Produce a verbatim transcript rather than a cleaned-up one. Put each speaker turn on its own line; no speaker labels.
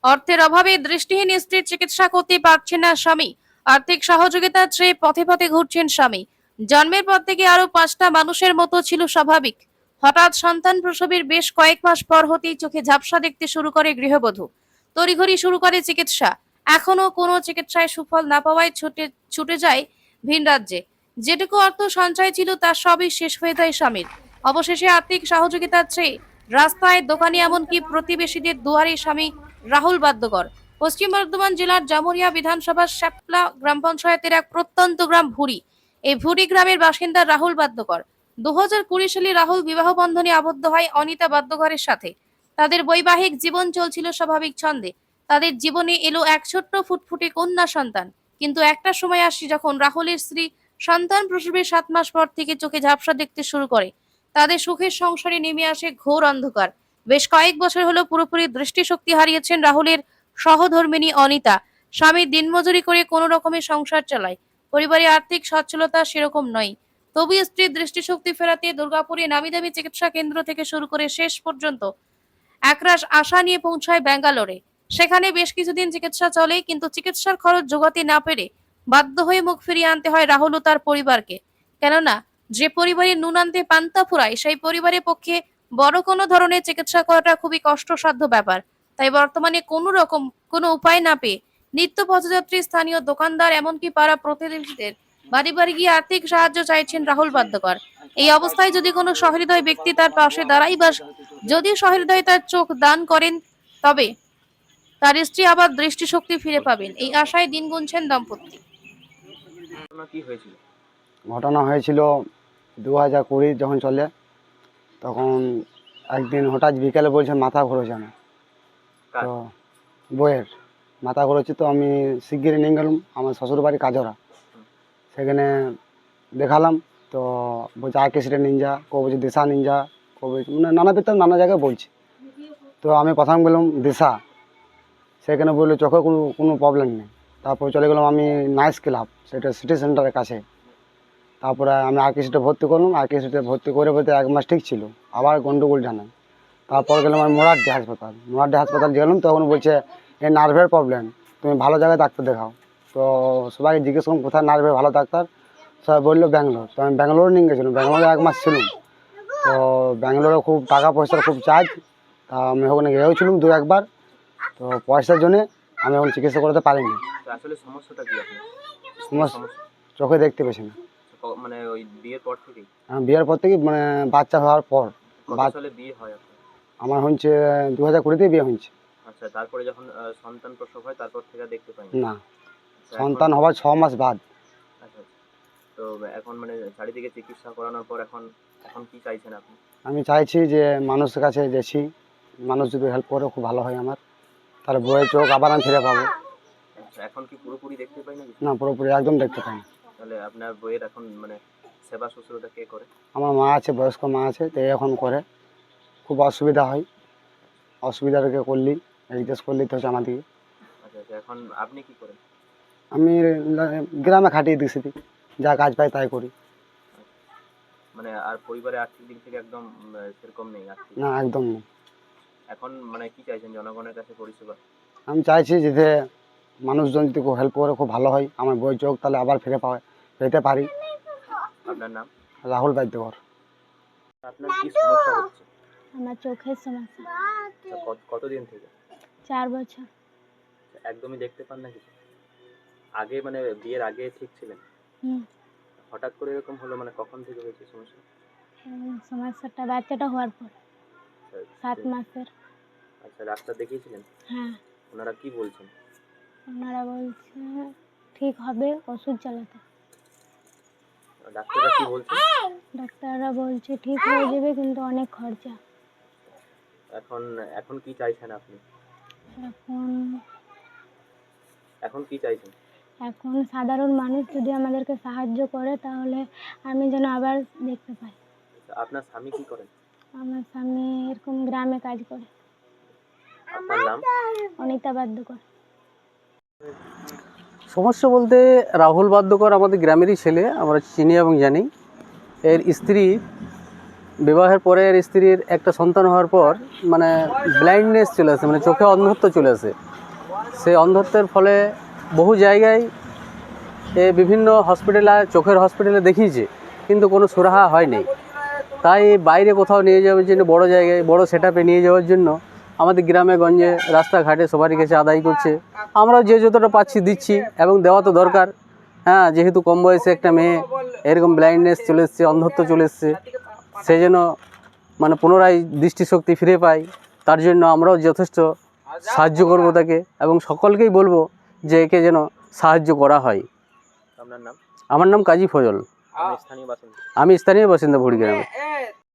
অর্থের অভাবে দৃষ্টিহীন স্ত্রীর চিকিৎসা করতে পারছেন না স্বামী। আর্থিক সহযোগিতা চেয়ে পথে পথে ঘুরছেন স্বামী। জন্মের পর থেকে আরো পাঁচটা মানুষের মতো ছিল স্বাভাবিক। হঠাৎ সন্তান প্রসবের বেশ কয়েক মাস পর হতেই চোখে ঝাপসা দেখতে শুরু করে গৃহবধূ। তড়িঘড়ি শুরু করে চিকিৎসা। এখনো কোনো চিকিৎসায় সুফল না পাওয়ায় ছুটে ছুটে যায় ভিন রাজ্যে। যেটুকু অর্থ সঞ্চয় ছিল তার সবই শেষ হয়ে যায় স্বামীর। অবশেষে আর্থিক সহযোগিতা চেয়ে রাস্তায়, দোকানে, এমনকি প্রতিবেশীদের দুয়ারে স্বামী রাহুল বাদ্যকর। পশ্চিম বর্ধমান জেলার জামুরিয়া বিধানসভার শ্যাপলা গ্রাম পঞ্চায়েতের এক প্রত্যন্ত গ্রাম ভুরি। এই ভুরি গ্রামের বাসিন্দা রাহুল বাদ্যকর। দু হাজার কুড়ি সালে রাহুল বিবাহ বন্ধনে আবদ্ধ হয় অনিতা বাদ্যকরের সাথে। তাদের বৈবাহিক জীবন চলছিল স্বাভাবিক ছন্দে। তাদের জীবনে এলো এক ছোট্ট ফুটফুটে কন্যা সন্তান। কিন্তু একটা সময় আসে যখন রাহুলের স্ত্রী সন্তান প্রসবের সাত মাস পর থেকে চোখে ঝাপসা দেখতে শুরু করে। তাদের সুখের সংসারে নেমে আসে ঘোর অন্ধকার। বেশ কয়েক বছর হলো পুরোপুরি দৃষ্টিশক্তি হারিয়েছেন রাহুলের সহধর্মিণী অনিতা। স্বামী দিনমজুরি করে কোনো রকমের সংসার চালায়। পরিবারে আর্থিক সচ্ছলতা সেরকম নয়। তবু স্ত্রীর দৃষ্টিশক্তি ফেরাতে দুর্গাপুরে নামিদামি চিকিৎসা কেন্দ্র থেকে শুরু করে শেষ পর্যন্ত একরাশ আশা নিয়ে পৌঁছায় ব্যাঙ্গালোরে। সেখানে বেশ কিছুদিন চিকিৎসা চলে, কিন্তু চিকিৎসার খরচ জোগাতে না পেরে বাধ্য হয়ে মুখ ফিরিয়ে আনতে হয় রাহুল ও তার পরিবারকে। কেননা যে পরিবারে নুন আনতে পান্তা ফুরায়, সেই পরিবারের পক্ষে বড় কোনো ধরনের চিকিৎসা করাটা খুবই কষ্টসাধ্য ব্যাপার। তাই বর্তমানে কোনো রকম কোনো উপায় না পেয়ে নিত্য পথযাত্রী, স্থানীয় দোকানদার, এমনকি পাড়া প্রতিবেশীদের বাড়ি বাড়ি গিয়ে আর্থিক সাহায্য চাইছেন রাহুল বাদ্যকর। এই অবস্থায় যদি কোনো সহৃদয় ব্যক্তি তার পাশে দাঁড়াই বা যদি সহৃদয় তার চোখ দান করেন, তবে তার স্ত্রী আবার দৃষ্টিশক্তি ফিরে পাবেন, এই আশায় দিন গুনছেন দম্পতি।
কি হয়েছিল?
ঘটনা হয়েছিল দু হাজার কুড়ি যখন চলে, তখন একদিন হঠাৎ বিকেলে বলছে মাথা ঘুরেছে আমার। তো বইয়ের মাথা ঘুরেছে, তো আমি শিগগিরি নিয়ে গেলাম আমার শ্বশুরবাড়ি কাজরা। সেখানে দেখালাম, তো বলছে আর কেসিটা নিনজা, কো বলছে দিশা নিনজা, কো বলছে মানে নানা পেতাম নানা জায়গায় বলছে। তো আমি প্রথম বললাম দিশা, সেখানে বললো চোখে কোনো কোনো প্রবলেম নেই। তারপর চলে গেলাম আমি নাইস ক্লাব, সেটা সিটি সেন্টারের কাছে। তারপরে আমি আর কেসিটা ভর্তি করলাম, আর কেসিটা ভর্তি করে বলতে এক মাস ঠিক ছিল, আবার গন্ডগোল জানাই। তারপর গেলাম আমি মোরারডি হাসপাতাল। মোরারডি হাসপাতাল গেলাম, তখন বলছে এই নার্ভের প্রবলেম, তুমি ভালো জায়গায় ডাক্তার দেখাও। তো সবাইকে জিজ্ঞেস করলাম কোথায় নার্ভের ভালো ডাক্তার, সবাই বললো ব্যাঙ্গালোর। তো আমি ব্যাঙ্গালোর নিয়ে গেছিলাম, ব্যাঙ্গালোরে এক মাস ছিলাম। তো ব্যাঙ্গালোরে খুব টাকা পয়সার খুব চার্জ, তা আমি ওখানে গিয়েছিলাম দু একবার। তো পয়সার জন্যে আমি এখন চিকিৎসা করাতে পারিনি।
আসলে সমস্যাটা কি আপনার?
সমস্যা চোখে দেখতে পেছি না।
মানে ওই বিয়ের পর থেকেই?
হ্যাঁ, বিয়ের পর থেকে, মানে বাচ্চা হওয়ার পর।
কত সালে বিয়ে হয় আপনার?
আমার হচ্ছে দু হাজার কুড়িতেই বিয়ে হয়েছে।
আচ্ছা, তারপরে যখন সন্তান প্রসব হয় তারপর থেকে দেখতে পাই
না, সন্তান হওয়ার ছ মাস বাদ।
আচ্ছা, তো এখন মানে চারিদিকে চিকিৎসা করানোর পর এখন এখন কি চাইছেন আপনি?
আমি চাইছি যে মানুষের কাছে গেছি, মানুষ যদি হেল্প করে খুব ভালো হয় আমার, তাহলে বইয়ের চোখ আবার আমি ফিরে পাবো।
আচ্ছা, এখন কি পুরোপুরি দেখতে পাই না?
না, পুরোপুরি একদম দেখতে পাই না।
তাহলে আপনার বইয়ের এখন মানে সেবা শুশ্রূষা কে করে?
আমার মা আছে, বয়স্ক মা আছে, তো এখন করে। খুব অসুবিধা হয়, অসুবিধাটাকে করলি জিজ্ঞেস করলি তো হচ্ছে আমাদেরকে।
আচ্ছা আচ্ছা, এখন আপনি কি করেন?
আমি গ্রামে খাটিয়ে দিছি, যা কাজ পাই তাই করি।
মানে আর পরিবারে আর্থিক দিক থেকে একদম সেরকম নেই? আর্থিক
না, একদম নেই।
এখন মানে কি চাইছেন জনগণের কাছে পরিষেবা?
আমি চাইছি যাতে মানুষজন যদি খুব হেল্প করে খুব ভালো হয়, আমার বইয়ের চোখ তাহলে আবার ফিরে পাওয়া পেতে পারি।
আপনার নাম?
রাহুল বাদ্যকর।
আপনার কি সমস্যা হচ্ছে?
আমার চোখের সমস্যা।
কতদিন থেকে?
চার বছর।
একদমই দেখতে পান না কিছু? আগে মানে বিয়ের আগে ঠিক ছিলেন?
হুম।
হঠাৎ করে এরকম হলো, মানে কখন থেকে হয়েছে সমস্যা?
সমস্যাটা বাচ্চাটা হওয়ার পর, সাত মাসের।
আচ্ছা, ডাক্তার দেখিয়েছিলেন?
হ্যাঁ।
ওনারা কি বলছেন?
ওনারা বলছে ঠিক হবে, ওষুধ চালাতে।
ডাক্তাররা কি বলছেন?
ডাক্তাররা বলছে ঠিক হয়ে যাবে, কিন্তু অনেক খরচা।
এখন এখন কি চাইছেন আপনি?
এখন
এখন কি চাইছেন?
এখন সাধারণ মানুষ যদি আমাদেরকে সাহায্য করে, তাহলে আমি যেন আবার দেখতে পাই।
আপনার স্বামী কি করেন?
আমার স্বামী এরকম গ্রামে কাজ করে।
আপনার নাম?
অনিতা বাদ্যকর।
সমস্যা বলতে রাহুল বাদ্যকর আমাদের গ্রামেরই ছেলে, আমরা চিনি এবং জানি। এর স্ত্রী বিবাহের পরে এর স্ত্রীর একটা সন্তান হওয়ার পর মানে ব্লাইন্ডনেস চলে আসে, মানে চোখে অন্ধত্ব চলে আসে। সেই অন্ধত্বের ফলে বহু জায়গায় এ বিভিন্ন হসপিটালে, চোখের হসপিটালে দেখিয়েছে, কিন্তু কোনো সুরাহা হয়নি। তাই বাইরে কোথাও নিয়ে যাওয়ার জন্য, বড় জায়গায় বড় সেট আপে নিয়ে যাওয়ার জন্য আমাদের গ্রামে গঞ্জে রাস্তাঘাটে সবারই কাছে আদায় করছে। আমরাও যে যতটা পাচ্ছি দিচ্ছি, এবং দেওয়া তো দরকার। হ্যাঁ, যেহেতু কম বয়সে একটা মেয়ে এরকম ব্লাইন্ডনেস চলে এসছে, অন্ধত্ব চলে এসছে, সে যেন মানে পুনরায় দৃষ্টিশক্তি ফিরে পায়, তার জন্য আমরাও যথেষ্ট সাহায্য করব তাকে, এবং সকলকেই বলবো যে একে যেন সাহায্য করা হয়।
আপনার নাম?
আমার নাম কাজী ফজল,
আপনি স্থানীয় বাসিন্দা?
আমি স্থানীয় বাসিন্দা ভুড়ি গ্রামে।